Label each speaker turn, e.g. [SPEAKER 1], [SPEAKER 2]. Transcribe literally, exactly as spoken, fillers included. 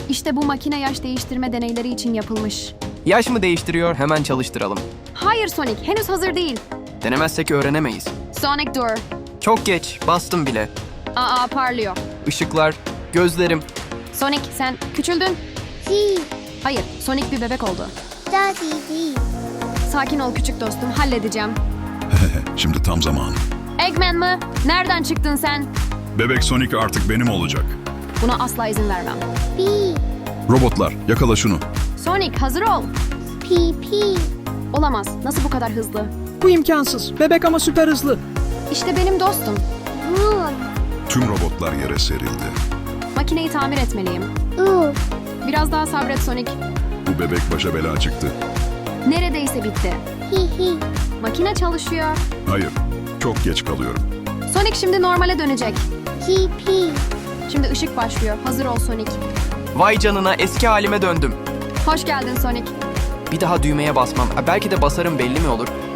[SPEAKER 1] İşte bu makine yaş değiştirme deneyleri için yapılmış.
[SPEAKER 2] Yaş mı değiştiriyor? Hemen çalıştıralım.
[SPEAKER 1] Hayır Sonic, henüz hazır değil.
[SPEAKER 2] Denemezsek öğrenemeyiz.
[SPEAKER 1] Sonic dur.
[SPEAKER 2] Çok geç, bastım bile.
[SPEAKER 1] Aa parlıyor.
[SPEAKER 2] Işıklar, gözlerim.
[SPEAKER 1] Sonic sen küçüldün.
[SPEAKER 3] G,
[SPEAKER 1] Hayır, Sonic bir bebek oldu.
[SPEAKER 3] Daddy D.
[SPEAKER 1] Sakin ol küçük dostum, halledeceğim.
[SPEAKER 4] Şimdi tam zamanı.
[SPEAKER 1] Eggman mı? Nereden çıktın sen?
[SPEAKER 4] Bebek Sonic artık benim olacak.
[SPEAKER 1] Buna asla izin vermem.
[SPEAKER 3] B,
[SPEAKER 4] Robotlar, yakala şunu.
[SPEAKER 1] Sonic hazır ol.
[SPEAKER 3] P, P.
[SPEAKER 1] Olamaz, nasıl bu kadar hızlı?
[SPEAKER 5] Bu imkansız. Bebek ama süper hızlı.
[SPEAKER 1] İşte benim dostum.
[SPEAKER 3] Run.
[SPEAKER 4] Tüm robotlar yere serildi.
[SPEAKER 1] Makineyi tamir etmeliyim.
[SPEAKER 3] U,
[SPEAKER 1] Biraz daha sabret Sonic.
[SPEAKER 4] Bu bebek başa bela çıktı.
[SPEAKER 1] Neredeyse bitti.
[SPEAKER 3] He, he.
[SPEAKER 1] Makine çalışıyor.
[SPEAKER 4] Hayır, çok geç kalıyorum.
[SPEAKER 1] Sonic şimdi normale dönecek.
[SPEAKER 3] G, P.
[SPEAKER 1] Şimdi ışık başlıyor. Hazır ol Sonic.
[SPEAKER 2] Vay canına, eski halime döndüm.
[SPEAKER 1] Hoş geldin Sonic.
[SPEAKER 2] Bir daha düğmeye basmam. Ha, belki de basarım, belli mi olur?